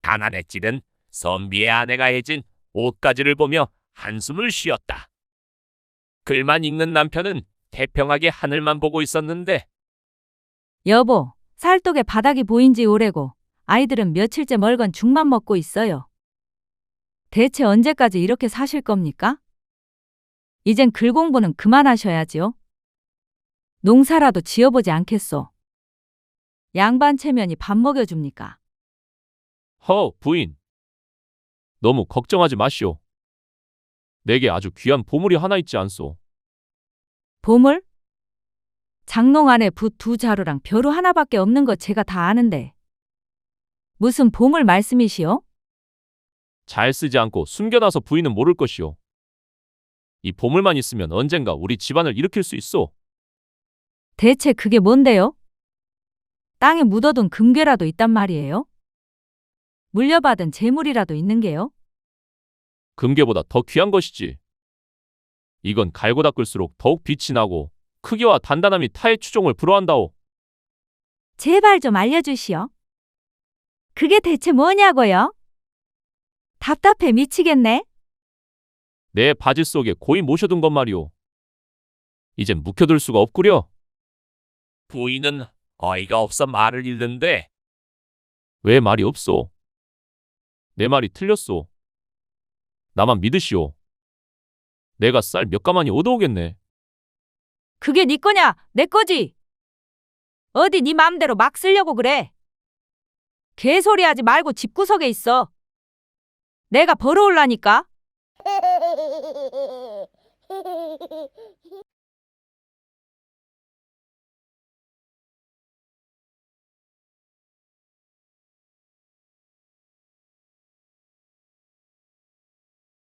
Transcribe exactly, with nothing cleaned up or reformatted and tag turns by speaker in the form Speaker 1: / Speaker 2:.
Speaker 1: 가난에 찌든 선비의 아내가 해진 옷가지를 보며 한숨을 쉬었다. 글만 읽는 남편은 태평하게 하늘만 보고 있었는데
Speaker 2: 여보, 살독에 바닥이 보인 지 오래고 아이들은 며칠째 멀건 죽만 먹고 있어요. 대체 언제까지 이렇게 사실 겁니까? 이젠 글 공부는 그만하셔야지요. 농사라도 지어보지 않겠소. 양반 체면이 밥 먹여줍니까?
Speaker 3: 허, 부인. 너무 걱정하지 마시오. 내게 아주 귀한 보물이 하나 있지 않소.
Speaker 2: 보물? 장롱 안에 붓 두 자루랑 벼루 하나밖에 없는 거 제가 다 아는데. 무슨 보물 말씀이시오?
Speaker 3: 잘 쓰지 않고 숨겨놔서 부인은 모를 것이오. 이 보물만 있으면 언젠가 우리 집안을 일으킬 수 있소.
Speaker 2: 대체 그게 뭔데요? 땅에 묻어둔 금괴라도 있단 말이에요? 물려받은 재물이라도 있는 게요?
Speaker 3: 금괴보다 더 귀한 것이지. 이건 갈고 닦을수록 더욱 빛이 나고 크기와 단단함이 타의 추종을 불허한다오.
Speaker 2: 제발 좀 알려주시오. 그게 대체 뭐냐고요? 답답해 미치겠네.
Speaker 3: 내 바지 속에 고이 모셔둔 것 말이오. 이젠 묵혀둘 수가 없구려.
Speaker 1: 부인은 어이가 없어 말을 잃는데
Speaker 3: 왜 말이 없소? 내 말이 틀렸소. 나만 믿으시오. 내가 쌀 몇 가마니 얻어오겠네.
Speaker 2: 그게 네 거냐? 내 거지? 어디 네 맘대로 막 쓰려고 그래? 개소리하지 말고 집구석에 있어. 내가 벌어올라니까.